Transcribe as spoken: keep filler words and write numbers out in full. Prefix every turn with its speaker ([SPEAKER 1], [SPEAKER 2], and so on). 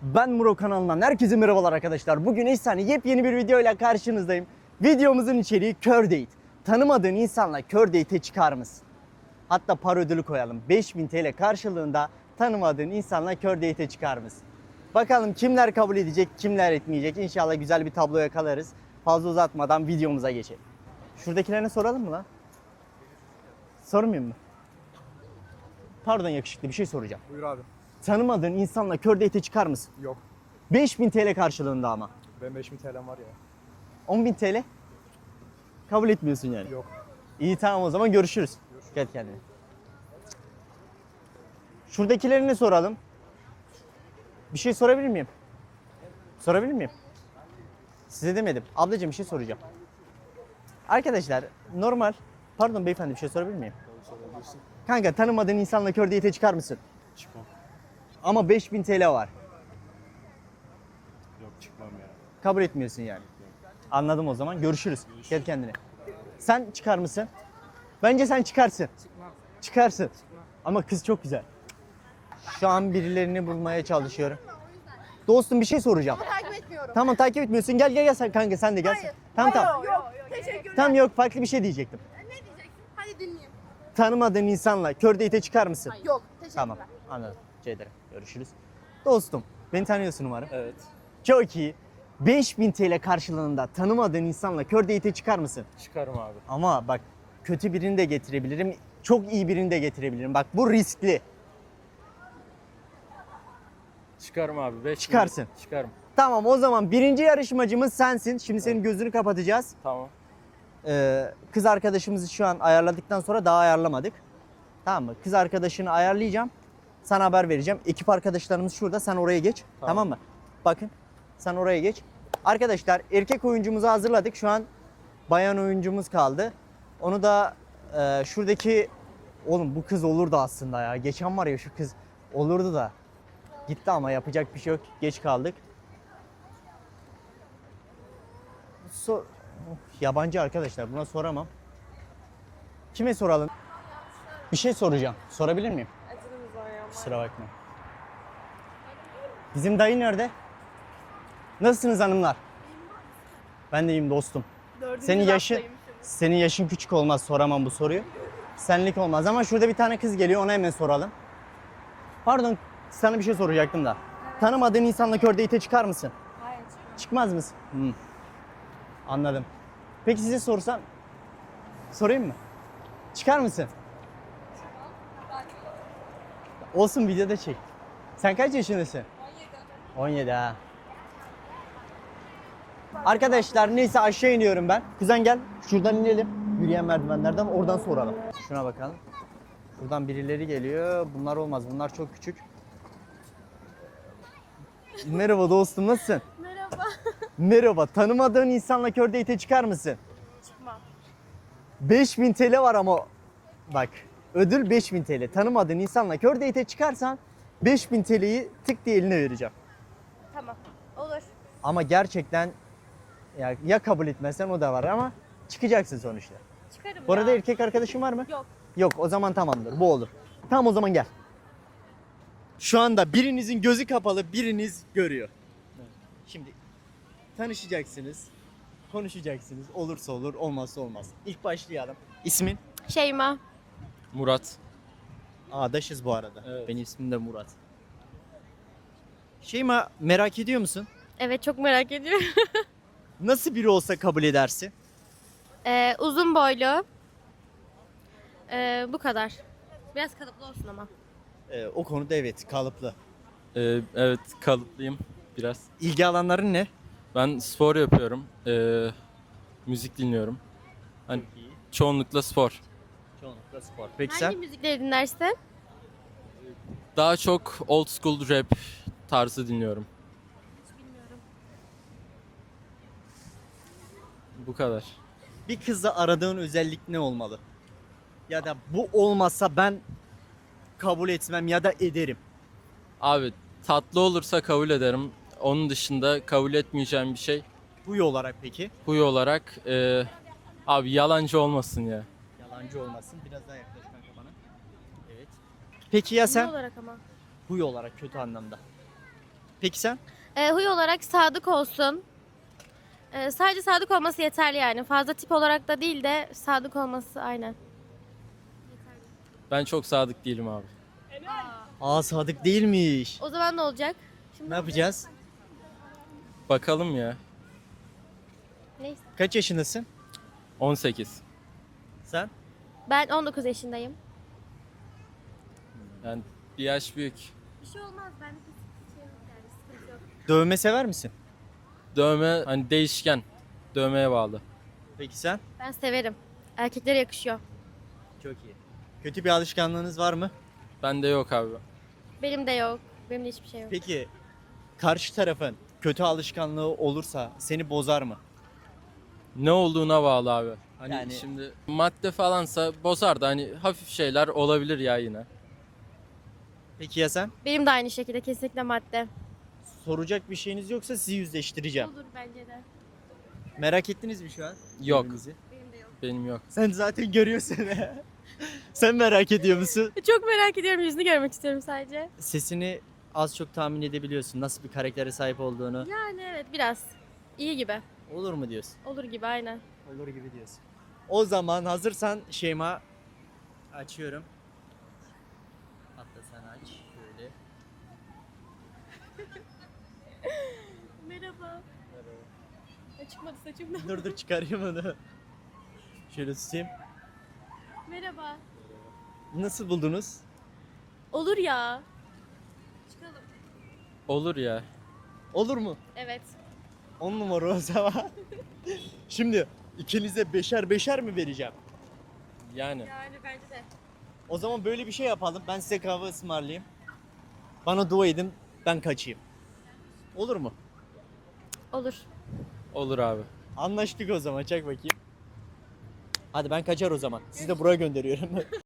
[SPEAKER 1] Ben Muro kanalından herkese merhabalar arkadaşlar. Bugün efsane yepyeni bir videoyla karşınızdayım. Videomuzun içeriği kör date. Tanımadığın insanla kör date'e çıkar mısın? Hatta para ödülü koyalım. beş bin T L karşılığında tanımadığın insanla kör date'e çıkar mısın? Bakalım kimler kabul edecek, kimler etmeyecek. İnşallah güzel bir tablo yakalarız. Fazla uzatmadan videomuza geçelim. Şuradakilerine soralım mı lan? Sormayayım mı? Pardon yakışıklı, bir şey soracağım.
[SPEAKER 2] Buyur abi.
[SPEAKER 1] Tanımadığın insanla kör date'e çıkar mısın?
[SPEAKER 2] Yok.
[SPEAKER 1] beş bin T L karşılığında ama.
[SPEAKER 2] Benim beş bin T L'm var ya.
[SPEAKER 1] on bin T L? Kabul etmiyorsun yani.
[SPEAKER 2] Yok.
[SPEAKER 1] İyi tamam o zaman görüşürüz.
[SPEAKER 2] Görüşürüz.
[SPEAKER 1] Gel kendine. Şuradakilerini soralım. Bir şey sorabilir miyim? Sorabilir miyim? Size demedim. Ablacığım bir şey soracağım. Arkadaşlar normal... Pardon beyefendi bir şey sorabilir miyim?
[SPEAKER 2] Sorabilirsin.
[SPEAKER 1] Kanka tanımadığın insanla kör date'e çıkar mısın?
[SPEAKER 2] Çıkmam.
[SPEAKER 1] Ama beş bin T L var.
[SPEAKER 2] Yok çıkmam ya.
[SPEAKER 1] Kabul etmiyorsun yani. Anladım o zaman. Görüşürüz. Gel kendine. Sen çıkar mısın? Bence sen çıkarsın.
[SPEAKER 3] Çıkmam.
[SPEAKER 1] Çıkarsın.
[SPEAKER 3] Çıkmam.
[SPEAKER 1] Ama kız çok güzel. Şu an birilerini bulmaya çalışıyorum. Dostum bir şey soracağım.
[SPEAKER 4] Takip etmiyorum.
[SPEAKER 1] Tamam takip etmiyorsun. Gel gel gel sen kanka sen de gel.
[SPEAKER 4] Hayır.
[SPEAKER 1] Tamam
[SPEAKER 4] Hayır,
[SPEAKER 1] tamam.
[SPEAKER 4] Yok, teşekkürler.
[SPEAKER 1] Tamam yok farklı bir şey diyecektim.
[SPEAKER 4] Ne diyeceksin? Hadi dinleyeyim.
[SPEAKER 1] Tanımadığın insanla kör date'e çıkar mısın?
[SPEAKER 4] Yok, teşekkürler.
[SPEAKER 1] Tamam anladım. Rica ederim. Görüşürüz. Dostum beni tanıyorsun umarım.
[SPEAKER 2] Evet.
[SPEAKER 1] Çok iyi. beş bin T L karşılığında tanımadığın insanla kör date'e çıkar mısın?
[SPEAKER 2] Çıkarım abi.
[SPEAKER 1] Ama bak kötü birini de getirebilirim. Çok iyi birini de getirebilirim. Bak bu riskli.
[SPEAKER 2] Çıkarım abi. beş
[SPEAKER 1] Çıkarsın.
[SPEAKER 2] Çıkarım.
[SPEAKER 1] Tamam o zaman birinci yarışmacımız sensin. Şimdi senin gözünü kapatacağız.
[SPEAKER 2] Tamam.
[SPEAKER 1] Ee, kız arkadaşımızı şu an ayarladıktan sonra daha ayarlamadık. Tamam mı? Kız arkadaşını ayarlayacağım. Sana haber vereceğim. Ekip arkadaşlarımız şurada. Sen oraya geç. Tamam,
[SPEAKER 2] Tamam.
[SPEAKER 1] mı? Bakın. Sen oraya geç. Arkadaşlar erkek oyuncumuzu hazırladık. Şu an bayan oyuncumuz kaldı. Onu da e, şuradaki... Oğlum bu kız olurdu aslında ya. Geçen var ya şu kız olurdu da. Gitti ama yapacak bir şey yok. Geç kaldık. So Of, yabancı arkadaşlar buna soramam. Kime soralım? Bir şey soracağım. Sorabilir miyim? Kusura bakma. Bizim dayı nerede? Nasılsınız hanımlar? Ben de iyiyim dostum. Senin yaşın senin yaşın küçük olmaz soramam bu soruyu. Senlik olmaz ama şurada bir tane kız geliyor ona hemen soralım. Pardon sana bir şey soracaktım da. Tanımadığın insanla kör date'e çıkar mısın?
[SPEAKER 4] Hayır.
[SPEAKER 1] Çıkmaz mısın? Hmm. Anladım. Peki size sorsam, sorayım mı? Çıkar mısın? Olsun videoda çek. Sen kaç yaşındasın? on yedi. on yedi ha. Arkadaşlar neyse aşağı iniyorum ben. Kuzen gel şuradan inelim. Yürüyen merdivenlerden oradan soralım. Şuna bakalım. Buradan birileri geliyor. Bunlar olmaz. Bunlar çok küçük. Merhaba dostum nasılsın?
[SPEAKER 4] Merhaba.
[SPEAKER 1] Merhaba. Tanımadığın insanla kör date'e çıkar mısın?
[SPEAKER 4] Çıkmam.
[SPEAKER 1] beş bin T L var ama bak ödül beş bin T L. Tanımadığın insanla kör date'e çıkarsan beş bin T L'yi tık diye eline vereceğim.
[SPEAKER 4] Tamam. Olur.
[SPEAKER 1] Ama gerçekten ya, ya kabul etmezsen o da var ama çıkacaksın sonuçta.
[SPEAKER 4] Çıkarım
[SPEAKER 1] Bu arada
[SPEAKER 4] ya.
[SPEAKER 1] erkek arkadaşın var mı?
[SPEAKER 4] Yok.
[SPEAKER 1] Yok o zaman tamamdır bu olur. Tamam o zaman gel. Şu anda birinizin gözü kapalı biriniz görüyor. Şimdi tanışacaksınız, konuşacaksınız. Olursa olur olmazsa olmaz. İlk başlayalım. İsmin?
[SPEAKER 4] Şeyma.
[SPEAKER 2] Murat.
[SPEAKER 1] Adaşız bu arada.
[SPEAKER 2] Evet.
[SPEAKER 1] Benim ismim de Murat. Şeyma merak ediyor musun?
[SPEAKER 4] Evet çok merak ediyorum.
[SPEAKER 1] Nasıl biri olsa kabul edersin?
[SPEAKER 4] Ee, uzun boylu. Ee, bu kadar. Biraz kalıplı olsun ama.
[SPEAKER 1] Ee, o konuda evet kalıplı.
[SPEAKER 5] Ee, evet kalıplıyım biraz.
[SPEAKER 1] İlgi alanların ne?
[SPEAKER 5] Ben spor yapıyorum. Ee, müzik dinliyorum. Hani çoğunlukla spor.
[SPEAKER 1] Çoğunlukla spor. Peki
[SPEAKER 4] Hangi
[SPEAKER 1] sen?
[SPEAKER 4] müzikleri dinlersin?
[SPEAKER 5] Daha çok old school rap tarzı dinliyorum.
[SPEAKER 4] Bilmiyorum.
[SPEAKER 5] Bu kadar.
[SPEAKER 1] Bir kızda aradığın özellik ne olmalı? Ya da bu olmazsa ben kabul etmem ya da ederim.
[SPEAKER 5] Abi tatlı olursa kabul ederim. Onun dışında kabul etmeyeceğim bir şey.
[SPEAKER 1] Huy olarak peki?
[SPEAKER 5] Huy olarak e, abi yalancı olmasın ya.
[SPEAKER 1] Yalancı olmasın. Biraz daha yaklaş kanka bana. Evet. Peki ya
[SPEAKER 4] Ne
[SPEAKER 1] sen?
[SPEAKER 4] olarak ama?
[SPEAKER 1] Huy olarak kötü anlamda. Peki sen?
[SPEAKER 4] Ee, huy olarak sadık olsun. Ee, sadece sadık olması yeterli yani. Fazla tip olarak da değil de sadık olması aynen.
[SPEAKER 5] Ben çok sadık değilim abi.
[SPEAKER 1] Aa sadık değilmiş.
[SPEAKER 4] O zaman ne olacak? Şimdi
[SPEAKER 1] Ne yapacağız?
[SPEAKER 5] Bakalım ya.
[SPEAKER 4] Neyse.
[SPEAKER 1] Kaç yaşındasın?
[SPEAKER 5] on sekiz.
[SPEAKER 1] Sen?
[SPEAKER 4] Ben on dokuz yaşındayım.
[SPEAKER 5] Yani bir yaş büyük.
[SPEAKER 4] Bir şey olmaz. Ben bir şey yok yani. Sıkıntı yok.
[SPEAKER 1] Dövme sever misin?
[SPEAKER 5] Dövme hani değişken. Dövmeye bağlı.
[SPEAKER 1] Peki sen?
[SPEAKER 4] Ben severim. Erkeklere yakışıyor.
[SPEAKER 1] Çok iyi. Kötü bir alışkanlığınız var mı?
[SPEAKER 5] Bende yok abi.
[SPEAKER 4] Benim de yok. Benim de hiçbir şey yok.
[SPEAKER 1] Peki karşı tarafın kötü alışkanlığı olursa seni bozar mı?
[SPEAKER 5] Ne olduğuna bağlı abi. Hani
[SPEAKER 1] Yani-
[SPEAKER 5] şimdi madde falansa bozar da hani hafif şeyler olabilir ya yine.
[SPEAKER 1] Peki ya sen?
[SPEAKER 4] Benim de aynı şekilde kesinlikle madde.
[SPEAKER 1] Soracak bir şeyiniz yoksa sizi yüzleştireceğim.
[SPEAKER 4] Olur bence de.
[SPEAKER 1] Merak ettiniz mi şu an?
[SPEAKER 5] Yok.
[SPEAKER 1] birbirinizi?
[SPEAKER 4] Benim de yok.
[SPEAKER 5] Benim yok.
[SPEAKER 1] Sen zaten görüyorsun. Sen merak ediyor musun?
[SPEAKER 4] Çok merak ediyorum. Yüzünü görmek istiyorum sadece.
[SPEAKER 1] Sesini az çok tahmin edebiliyorsun nasıl bir karaktere sahip olduğunu.
[SPEAKER 4] Yani evet biraz. İyi gibi.
[SPEAKER 1] Olur mu diyorsun?
[SPEAKER 4] Olur gibi aynen.
[SPEAKER 1] Olur gibi diyorsun. O zaman hazırsan Şeyma açıyorum. Hatta sen aç şöyle.
[SPEAKER 4] Merhaba. Çıkmadı saçımdan.
[SPEAKER 1] Dur dur çıkarayım onu. Şöyle tutayım.
[SPEAKER 4] Merhaba.
[SPEAKER 1] Nasıl buldunuz?
[SPEAKER 4] Olur ya. Çıkalım.
[SPEAKER 5] Olur ya.
[SPEAKER 1] Olur mu?
[SPEAKER 4] Evet.
[SPEAKER 1] On numara o zaman. Şimdi ikinize beşer beşer mi vereceğim?
[SPEAKER 5] Yani.
[SPEAKER 4] Yani bence de.
[SPEAKER 1] O zaman böyle bir şey yapalım. Ben size kahve ısmarlayayım. Bana dua edin. Ben kaçayım. Olur mu?
[SPEAKER 4] Olur.
[SPEAKER 5] Olur abi.
[SPEAKER 1] Anlaştık o zaman. Çak bakayım. Hadi ben kaçar o zaman. Sizi de buraya gönderiyorum.